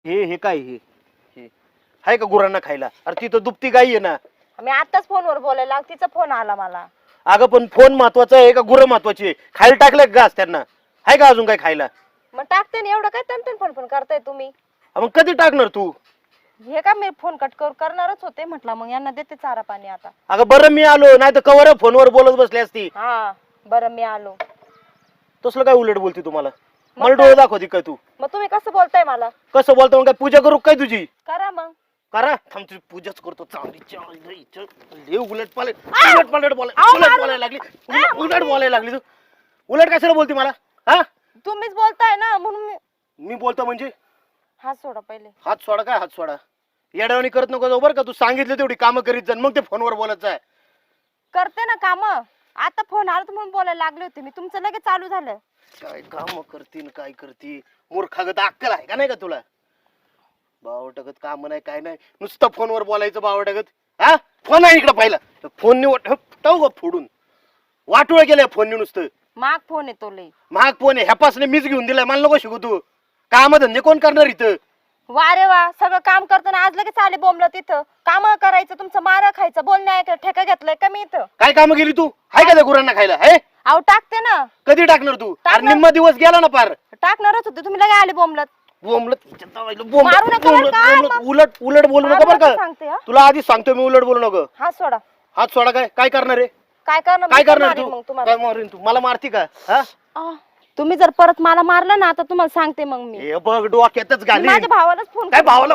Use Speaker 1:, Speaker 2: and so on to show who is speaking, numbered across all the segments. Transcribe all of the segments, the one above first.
Speaker 1: हे काय हे आहे का गुरांना खायला? अरे तिथं दुपती गाई आहे ना.
Speaker 2: मी आताच फोनवर बोलायला तिचा फोन आला मला.
Speaker 1: अगं पण फोन महत्वाचा आहे का गुरं महत्वाची आहे? खायला टाकले घास त्यांना, आहे का अजून काय खायला?
Speaker 2: मग टाकते ना, एवढं काय तन फोन फोन करताय तुम्ही?
Speaker 1: मग कधी टाकणार तू?
Speaker 2: हे का मी फोन कट करणारच होते, म्हटलं मग यांना देते चारा पाणी आता.
Speaker 1: अगं बरं मी आलो, नाही तर कवर फोनवर बोलत बसली असती.
Speaker 2: हा बरं मी आलो.
Speaker 1: तसलं काय उलट बोलती तुम्हाला? मला डोळे दाखवती काय तू?
Speaker 2: मग तुम्ही कसं बोलताय मला?
Speaker 1: कसं बोलतो? मग काय पूजा करू काय तुझी?
Speaker 2: करा मग.
Speaker 1: करा, थांब तुझी पूजाच करतो. चांगली उलट बोलायला लागली. उलट बोलायला लागली तू. उलट कशाला बोलती मला? हा
Speaker 2: तुम्हीच बोलताय ना म्हणून
Speaker 1: मी बोलतो म्हणजे?
Speaker 2: हात सोडा पहिले.
Speaker 1: हात सोडा काय? हात सोडा. येड्यावानी करत नको जाऊ बरं का. तू सांगितलं तेवढी कामं करीत जा, मग ते फोनवर बोलायचं आहे.
Speaker 2: करते ना काम. आता फोन आला तर म्हणून बोलायला लागले होते मी, तुमचं लगेच चालू झालं.
Speaker 1: काय काम करती काय करती? मूर्खागत अक्कल आहे का नाही का तुला? बावटगत काम नाही काय नाही, नुसतं फोनवर बोलायचं बावटगत. हा फोन आहे इकडं पाहिला. फोन निवड फोडून वाटोळ केलंय फोनने नुसतं.
Speaker 2: माग फोन येतो लई.
Speaker 1: महाग फोन आहे, ह्यापासने मीच घेऊन दिलाय. मला नको शिकू तू. काम धंदे कोण करणार इथं?
Speaker 2: वा रे वा, सगळं काम करताना आज लगेच आले बोंबलं तिथं. काम करायचं, तुमचं मारा खायचं, बोलणे ऐकायचं, ठेका घेतलाय का मी इथं?
Speaker 1: काय काम केली तू? हाय का त्या गुरांना खायला? आहे
Speaker 2: अहो टाकते ना.
Speaker 1: कधी टाकणार तू? अरे
Speaker 2: टाकणार.
Speaker 1: निम्मा दिवस गेला ना पार.
Speaker 2: टाकणारच होते, तुम्ही लगे आले बोंबलत. मारू नका बरं का?
Speaker 1: उलट उलट बोलू नको बरं का.
Speaker 2: सांगते हा.
Speaker 1: तुला आधी सांगतो मी, उलट बोलू नको.
Speaker 2: हात सोडा.
Speaker 1: हात सोडा. काय काय करणार आहे?
Speaker 2: काय करणार?
Speaker 1: काय
Speaker 2: मी
Speaker 1: करणार
Speaker 2: मारीन
Speaker 1: तू?
Speaker 2: मग तुम्हाला.
Speaker 1: काय मारीन तू? मला मारती का? हा
Speaker 2: तुम्ही जर परत मला मारलं ना, आता तुम्हाला सांगते मग मी.
Speaker 1: हे बघ डोक्यातच
Speaker 2: मी
Speaker 1: घाली.
Speaker 2: माझ्या भावालाच फोन
Speaker 1: काय भावाला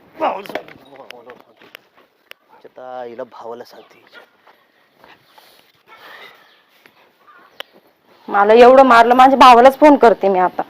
Speaker 1: हिला भावाला सांगते.
Speaker 2: मला एवढं मारलं, माझ्या भावालाच फोन करते मी आता.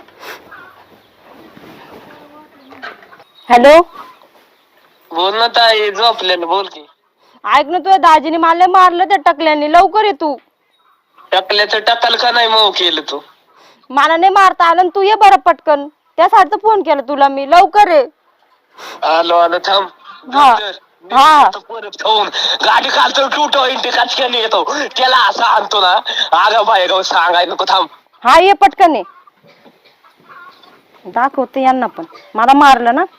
Speaker 2: हॅलो
Speaker 3: बोल ना ताई, झोपल्यानं बोल की.
Speaker 2: ऐक ना, तुझ्या दाजीने मला मारलं त्या टकल्याने. लवकर ये तू.
Speaker 3: टाकल्याचं टाकाल का नाही मग केलं तू?
Speaker 2: मला नाही मारता आलं, तू ये बरं पटकन. त्यासाठी फोन केला तुला मी. लवकर ये.
Speaker 3: आलो आलो थांब.
Speaker 2: हा. हा.
Speaker 3: परत खाऊन गाडी खालतो टुटो इंटी काचक्याने येतो त्याला असा आणतो ना. अगं बाय गाव सांगाय नको, थांब.
Speaker 2: हा ये पटकन ये. दाखवते यांना पण मला मारलं ना.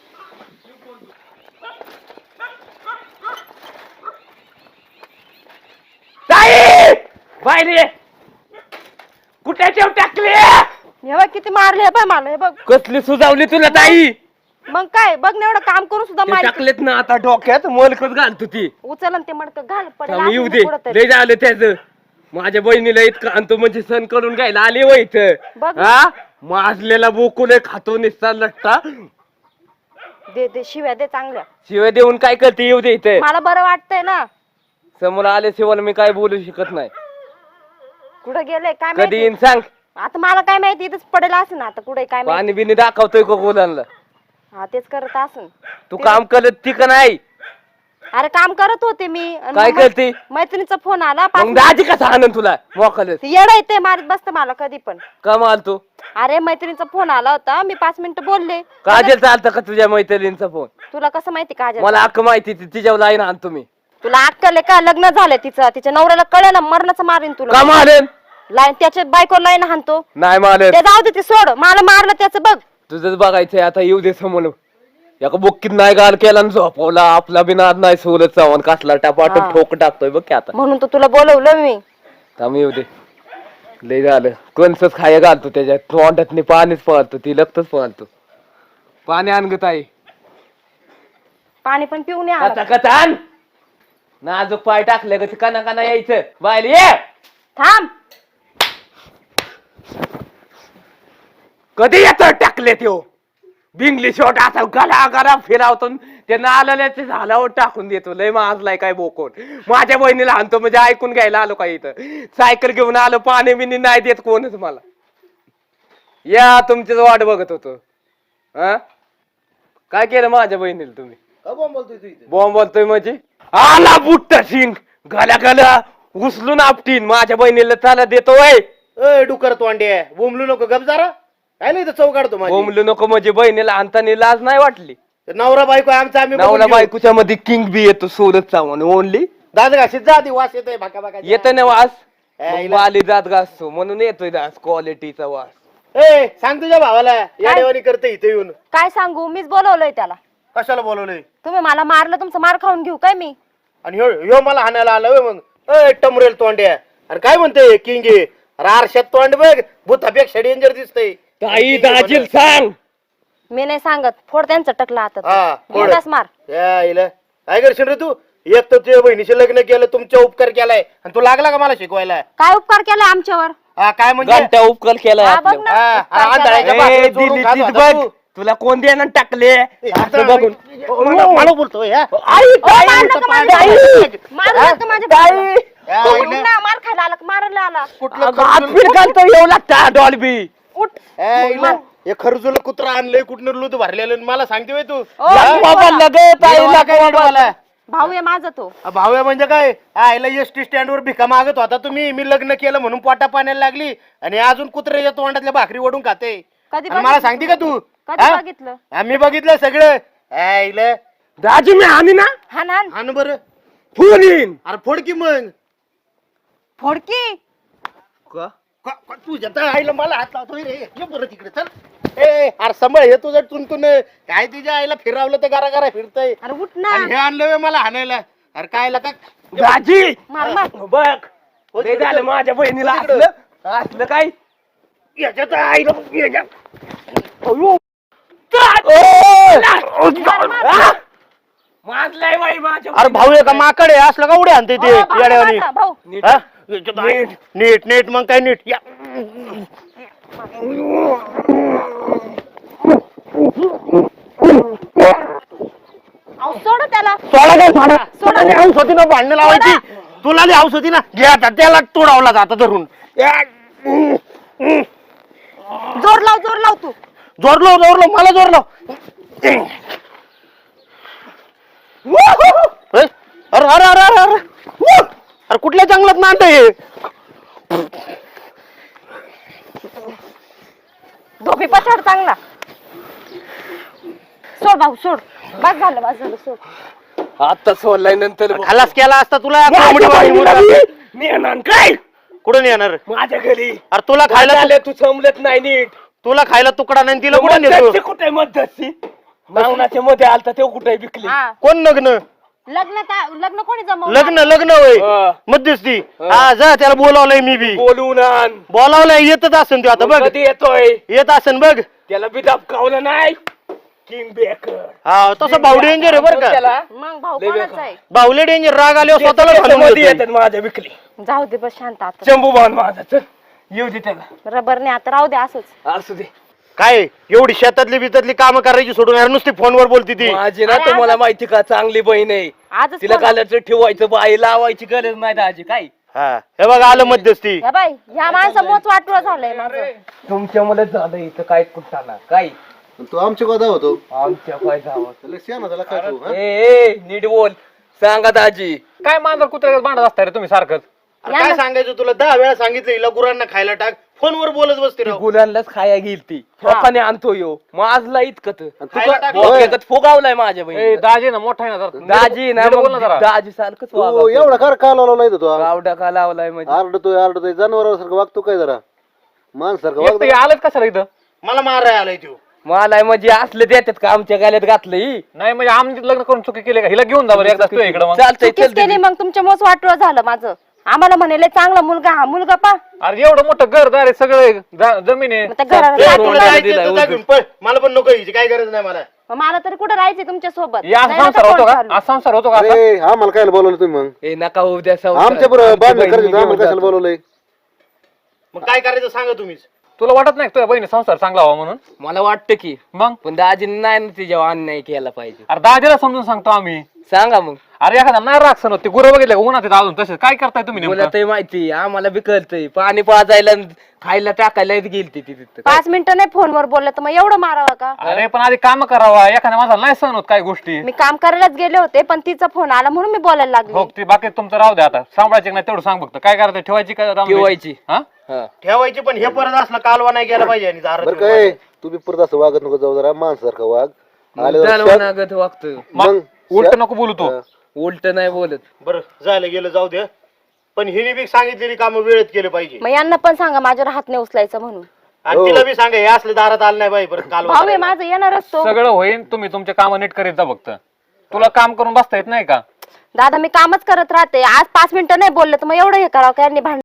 Speaker 4: बाहेर कुठे ठेव टाकले?
Speaker 2: हे बघ किती मारले. हे बघ मला. हे बघ
Speaker 4: कसली सुजावली तुला ताई?
Speaker 2: मग काय बघ ना, एवढं काम करून सुद्धा मार.
Speaker 4: टाकलेत ना आता डोक्यात मलकच घालतो ती.
Speaker 2: उचल आणि ते मडकं घाल. पडेल
Speaker 4: थांब, येऊ
Speaker 2: आतमध्ये
Speaker 4: दे.
Speaker 2: कुठंतरी.
Speaker 4: लय झालं त्याच. माझ्या बहिणीला इतकं आणतो म्हणजे सण करून घ्यायला आले व इथं.
Speaker 2: बघ.
Speaker 4: हा माजलेला बोकून खातो निसता लट्टा.
Speaker 2: दे दे शिव्या दे चांगल्या.
Speaker 4: शिवाय देऊन काय करते? येऊ दे इथे.
Speaker 2: मला बरं वाटतंय ना.
Speaker 4: समोर आल्याशिवाय मी काय बोलू शकत नाही.
Speaker 2: कुठं गेले काय
Speaker 4: कधी
Speaker 2: माहिती?
Speaker 4: येईन सांग.
Speaker 2: आता मला काय माहिती, इथंच पडेल असं ना. आता कुठे काय माहिती.
Speaker 4: पाणी बिनी दाखवतोय का गोलांना?
Speaker 2: हा तेच करत असून.
Speaker 4: तू काम करत ती का नाही?
Speaker 2: अरे काम करत होते मी. आणि
Speaker 4: काय
Speaker 2: मग
Speaker 4: करते?
Speaker 2: मैत्रिणीचा फोन आला.
Speaker 4: मग दाजी कसा आणन तुला मोकलच?
Speaker 2: येडा येते मारत बसते मला कधी पण.
Speaker 4: कमाल तू.
Speaker 2: अरे मैत्रिणीचा फोन आला होता, मी 5 मिनिटं बोलले.
Speaker 4: काजल चालतं का तुझ्या मैत्रिणींचा फोन?
Speaker 2: तुला कसं माहिती काजल?
Speaker 4: मला अख्ख माहिती तिच्यावर लाईन आणतो मी.
Speaker 2: तुला अक्कल आहे का? लग्न झालंय तिचं. तिच्या नवऱ्याला कळलं ना, मरणाचं मारीन तुला.
Speaker 4: का मारेन?
Speaker 2: लाईन त्याच्या बायकोला लाईन हाणतो.
Speaker 4: नाही मारेन.
Speaker 2: ते जाऊ दे, ते सोड. मला मारलं त्याचं बघ.
Speaker 4: तुझंच बघायचंय आता. येऊ दे समोर. एका बुक्कीत नाही गाल केला आणि झोपवला. आपला बिनाद नाही सोलत चावण कसला टापाट
Speaker 2: हा.
Speaker 4: ठोक टाकतोय बघ की आता.
Speaker 2: म्हणून तर तुला बोलवलं मी.
Speaker 4: थांब येऊ दे. लय झालं. कोणच खाया घालतो त्याच्यात. तोंडात पाणीच पळतो. ती लगतच पळतो. पाणी आण ग ताई.
Speaker 2: पाणी पण पिऊन या.
Speaker 4: कथा आण. नाजूक पाय टाकले ग काना काना यायचं. बायला ये.
Speaker 2: थांब.
Speaker 4: कधी येतो टाकले त्यो बिंगली शॉट असा गला गला फिरावतो. ते नाल्याचे झाल्यावर टाकून देतो. लय माजलाय काय बोकोन. माझ्या बहिणीला आणतो म्हणजे ऐकून घ्यायला आलो काय इथं. सायकल घेऊन आलो. पाणी बिनी नाही देत कोणच मला. या तुमचीच वाट बघत होतो. हा काय केलं माझ्या बहिणीला तुम्ही? बॉम्ब बोलतोय म्हणजे आला बुट्ट सिंग गल्या गल्या उचलून आपटीन. माझ्या बहिणीला चाला देतो वय.
Speaker 1: डुकर तोंडे बोंबलू नको गप जरा. काय नाही चौ काढतो माझी.
Speaker 4: बोंबलू नको म्हणजे बहिणीला आणताना लाज नाही वाटली?
Speaker 1: नवरा बायको आमचा आम्ही
Speaker 4: नवरा बायकोच्या मध्ये किंग बी येतो सोलत चावून ओनली.
Speaker 1: दाद घाशीत जा आधी, वास येतोय भाका भाका.
Speaker 4: येत ना वास. आली जात घासतो म्हणून येतोय दास क्वालिटीचा वास.
Speaker 1: ए सांग तुझ्या भावाला याडेवानी करते इथे येऊन.
Speaker 2: काय सांगू, मीच बोलवलंय त्याला.
Speaker 1: कशाला बोलवलंय?
Speaker 2: तुम्ही मला मारलं, तुमचं मार खाऊन घेऊ काय मी?
Speaker 1: आणि ह्यो मला हाणायला आला होय मग. ए टमरेल तोंड्या, अरे काय म्हणते किंग आहे? अरे आरशात तोंड बघ, भूतापेक्षा डेंजर दिसतंय.
Speaker 4: ताई दाजील सांग.
Speaker 2: मी नाही सांगत, फोड त्यांचं टकला
Speaker 1: हा,
Speaker 2: आता.
Speaker 1: फोड.
Speaker 2: बिनधास्त मार.
Speaker 1: या इला काय करशील रे तू? एक तर तुझ्या बहिणीचे लग्न केलं, तुमचा उपकार केलाय, आणि तू लागला का मला शिकवायला?
Speaker 2: काय उपकार केलाय आमच्यावर?
Speaker 1: हा काय म्हणजे?
Speaker 4: घंटा उपकल केलाय
Speaker 2: हा, बघ
Speaker 4: आपलं.
Speaker 2: ना,
Speaker 1: हा,
Speaker 2: उपकार
Speaker 1: हा,
Speaker 2: केलाय.
Speaker 1: आंधळ्याच्या भाकरी चोरून
Speaker 4: दिल्लीत
Speaker 1: खात होता
Speaker 4: बघ
Speaker 1: तू.
Speaker 4: तुला कोण देणं टाकले असं बघून.
Speaker 1: मला बोलतोय हा?
Speaker 4: आई,
Speaker 2: ओ,
Speaker 4: ताई,
Speaker 2: मार नका माझ्या
Speaker 4: ताई,
Speaker 2: भावाला. मारू
Speaker 1: हा?
Speaker 2: नका माझ्या
Speaker 4: ताई.
Speaker 2: भावाला.
Speaker 1: या
Speaker 2: तो
Speaker 1: आईला.
Speaker 2: उठ ना, मार खायला आला, मारायला आला.
Speaker 1: कुठलं
Speaker 4: अगं, हात
Speaker 1: खरजुल-
Speaker 4: पीठ घालतो येऊ लागता डॉल्बी.
Speaker 2: उठ.
Speaker 1: ए, इला, हे खरजुल कुत्रा आणलंय कुठनं लूत भरलेलं आणि मला सांगते होय तू?
Speaker 2: ओ,
Speaker 1: हा?
Speaker 2: मी
Speaker 4: बाबा
Speaker 2: बोला.
Speaker 4: लगत
Speaker 1: मला
Speaker 4: आईला
Speaker 1: काय वाटलं मला?
Speaker 2: भाऊ आहे माझा तो.
Speaker 1: भाऊ आहे म्हणजे काय? आईला एसटी स्टँड वर भिका मागत होता तुम्ही, मी लग्न केलं म्हणून पोटा पाण्याला लागली, आणि अजून कुत्र्याच्या तोंडातल्या भाकरी ओढून खाते.
Speaker 2: कधी
Speaker 1: आणि मला सांगते का तू?
Speaker 2: कधी
Speaker 1: हा?
Speaker 2: बघितलं?
Speaker 1: आम्ही बघितलं सगळं. आईला
Speaker 4: दाजी मी आणि ना
Speaker 2: हान हान.
Speaker 1: आण बरं.
Speaker 4: फोन येईन.
Speaker 1: अरे फोड की मग.
Speaker 2: फोडकी.
Speaker 1: तुझ्या तर आईला मला हात लावतोय रे. ये बरं तिकडे चल. ए अरे सांभाळ, हे तुझं तुंतून काय तिच्या आईला फिरवलं तर गारा गारा फिरतय,
Speaker 2: अरे उठ ना.
Speaker 1: आणि हे आणलं व्हय मला हाणायला. अरे काय का
Speaker 4: दाजी
Speaker 2: मार मार.
Speaker 4: बघ ते झालं माझ्या बहिणीला असलं असलं काय.
Speaker 1: याच्यात आईला
Speaker 4: अयो. माजलाय बाई माझ्या
Speaker 1: अरे भाऊ आहे का माकड आहे? असलं का उड्या आणते ते
Speaker 2: ओ, भाऊ
Speaker 1: येड्यावानी?
Speaker 2: माझा, भाऊ.
Speaker 1: हा? याच्यात नीट नीट नीट मग काय नीट या.
Speaker 2: अहो, सोड त्याला.
Speaker 1: सोडा काय सोडा?
Speaker 2: सोडा.
Speaker 1: तुला हाऊस होती ना भांडणं लावायची? तुला हाऊस होती ना? घे आता त्याला तोडावला जाता धरून.
Speaker 2: जोर लाव तू.
Speaker 1: जोर लाव मला जोर लाव. अरे अरे अरे अरे अरे अरे कुठल्या जंगलात नांद आहे?
Speaker 2: धोपी पछाड चांगला. सोड भाऊ सोड. बस झालं सोड.
Speaker 4: आता सोडलाय नंतर
Speaker 1: खलास केला असता तुला.
Speaker 4: माझ्या
Speaker 1: कोंबडी
Speaker 4: बहिणीला
Speaker 1: वाली.
Speaker 4: मी येणार काय
Speaker 1: कुठं नाही येणार?
Speaker 4: माझ्या घरी.
Speaker 1: अरे तुला खायला
Speaker 4: खायला तू समजत नाही नीट.
Speaker 1: तुला खायला तुकडा नाही तिला कुठं
Speaker 4: मध्यस्थी
Speaker 1: नेतो?
Speaker 4: कुठे मध्यस्थी मावनाच्या मध्ये आलता तेव्हा कुठे विकली.
Speaker 2: हा.
Speaker 1: कोण लग्न?
Speaker 2: लग्न कोणी जमवलं?
Speaker 1: लग्न होय
Speaker 4: हा.
Speaker 1: मध्यस्थी. हा जा, त्याला बोलावलंय मी बी.
Speaker 4: बोलून आण.
Speaker 1: बोलावलंय, येतच असेल तू आता बघ.
Speaker 4: कधी येतोय
Speaker 1: येत असेल बघ.
Speaker 4: त्याला बी दाबकावलं नाही. किंग बेकर
Speaker 1: हा तसं भाऊ डेंजर आहे बरं का?
Speaker 4: त्याला
Speaker 2: मग भाऊ
Speaker 4: लय
Speaker 2: कोणाच
Speaker 4: बेकार.
Speaker 2: आहे?
Speaker 1: बाहुले डेंजर. राग आल्यावर स्वतःला
Speaker 4: त्याच्या
Speaker 1: घालून
Speaker 4: मध्ये
Speaker 1: येतोय.
Speaker 4: येतात माझ्या विकली.
Speaker 2: जाऊ दे बस शांत आता.
Speaker 4: शंभू बाण माझा चल येऊ दे त्याला.
Speaker 2: रबरने आता राहू दे असंच.
Speaker 4: असू दे.
Speaker 1: काय एवढी शेतातली बितातली कामं करायची सोडून यार नुसती फोनवर बोलती ती.
Speaker 4: माझी ना
Speaker 2: अरे
Speaker 4: तुम्हाला
Speaker 2: आज-
Speaker 4: माहिती का चांगली बहीण आहे.
Speaker 2: आजच
Speaker 4: तिला
Speaker 2: फोन-
Speaker 4: कालच ठेवायचं बाई लावायची गरज नाही दाजी काय.
Speaker 1: हा हे बघ आलं मध्यस्थी.
Speaker 2: हे बाई ह्या माणसं मोच वाटलं झालंय माझं.
Speaker 4: तुमच्या मला झालं इथं काय कुठाना काय
Speaker 5: तू आमच्या गोदा होतो
Speaker 4: आमच्या काय जावं.
Speaker 5: त्याला शेण झाला काय तू, हा?
Speaker 4: ए नीट बोल. सांगा दाजी.
Speaker 6: काय मांजर कुत्र्यात भांडत असताय रे तुम्ही सारखंच.
Speaker 1: अरे काय सांगायचं तुला? 10 वेळा सांगितलं हिला गुरांना खायला टाक. फोनवर बोलत बसते
Speaker 4: ती
Speaker 1: राव.
Speaker 4: गुलांनाच खाया गेली ती लोकांनी आणतो यो माझला इतकत
Speaker 5: आणि तू
Speaker 1: खायला
Speaker 5: का-
Speaker 1: टाक.
Speaker 5: होय.
Speaker 4: फुगावलाय माझ्या
Speaker 6: ए
Speaker 4: बहिणी.
Speaker 6: दाजी ना मोठा आहे ना जरा.
Speaker 4: दाजी ना
Speaker 6: नीट बोल
Speaker 4: मग
Speaker 6: जरा.
Speaker 4: दाजी सारखंच
Speaker 5: तू एवढा का लावला तू
Speaker 4: गावडा का लावलाय म्हणजे
Speaker 5: आरडतोय जनावरासारखं वागतो काय जरा माणसारखं
Speaker 6: एकटं
Speaker 5: वागतो
Speaker 6: हे आलंच कशाला इथं?
Speaker 1: मला मारायला आलाय तू.
Speaker 4: मला म्हणजे असले देतात का आमच्या गाल्यात घातलंय.
Speaker 6: नाही म्हणजे आम्ही लग्न करून चुकी केली का? हिला घेऊन जा बरं एकदा तू इकडं मग.
Speaker 4: चालतंय
Speaker 2: चुकीच
Speaker 4: चल
Speaker 2: केली मग तुमच्या मोच वाटलं झालं माझं. आम्हाला म्हणाले चांगला मुलगा हा मुलगा पा.
Speaker 6: अरे एवढं मोठं घरदार आहे सगळं जमीन आहे.
Speaker 2: मग त्या घराला
Speaker 1: ए,
Speaker 2: काय
Speaker 1: तुला
Speaker 2: केलं?
Speaker 1: जायचं तर जा घेऊन पळ. मला पण नको यायची काय गरज नाही मला.
Speaker 2: मग मला तरी कुठं राहायचंय तुमच्या सोबत?
Speaker 6: या संसार होतो का? आज संसार होतो का असा?
Speaker 5: अरे आम्हाला काय बोलवलं तुम्ही मग
Speaker 4: ए नका होऊ द्या संसार.
Speaker 5: आमच्या बरोबर
Speaker 4: आमची
Speaker 5: बांधणं
Speaker 4: बहिणी
Speaker 5: करायचं
Speaker 4: घेऊन
Speaker 5: आम्हाला कशाला
Speaker 4: जातो.
Speaker 5: बोलवलंय?
Speaker 1: मग काय करायचं सांगा तुम्हीच.
Speaker 6: तुला वाटत नाही का तुझ्या बहिणी संसार चांगला व्हावा म्हणून?
Speaker 4: मला वाटतं की
Speaker 6: मग
Speaker 4: पण दाजीने नाही ना तिच्यावर अन्याय केला पाहिजे.
Speaker 6: अरे दाजीला समजून सांगतो आम्ही.
Speaker 4: सांगा मग.
Speaker 6: अरे एखादा नाही राग सण होते गुरं बघितलं का उन्हात आहेत अजून तसे काय करताय तुम्ही
Speaker 4: मला
Speaker 6: नेमकं?
Speaker 4: ते माहिती आम्हाला बी कळतंय. पाणी पाजायला आणि खायला टाकायला गेलती ती तिथं.
Speaker 2: 5 मिनिटं नाही फोनवर बोललं तर मग एवढं मारावं का?
Speaker 6: अरे पण आधी काम करावा. एखाद्या माझा नाही सण होत काही गोष्टी.
Speaker 2: मी काम करायलाच गेले होते पण तिचा फोन आला म्हणून मी बोलायला लागले.
Speaker 6: हो ते बाकी तुमचं राहू द्या आता. सांभाळायचे नाही तेवढं सांग फक्त. काय करायचं ठेवायची काय राम दे?
Speaker 4: ठेवायची.
Speaker 6: हा?
Speaker 4: हा.
Speaker 1: ठेवायची पण हे परत असलं कालवा नाही गेला पाहिजे. आणि दारात
Speaker 5: बरं
Speaker 1: येऊन
Speaker 5: काय तू बी परत असं वागत नको जाऊ जरा माणसारखं वाग. आले जरा शांत-
Speaker 4: नागत वागतं.
Speaker 6: मग उलट नको बोलू तू.
Speaker 4: उलट नाही बोलत.
Speaker 1: बरं झालं गेलं जाऊ दे. पण हिने बी सांगितलेली कामं वेळेत केले पाहिजे.
Speaker 2: मग यांना पण सांगा माझ्यावर हात नाही उचलायचा म्हणून.
Speaker 1: आणि
Speaker 5: हो.
Speaker 1: तिला बी सांगा हे असले दारात आलं नाही बाई परत काल
Speaker 2: भाऊ आहे माझं येणारच तो.
Speaker 6: सगळं होईल, तुम्ही तुमचे काम नीट करीत जा फक्त. तुला काम करून बसता येत नाही का?
Speaker 2: दादा मी कामच करत राहते, आज 5 मिनिटं नाही बोलले तर मग एवढं हे करावं काय भांडण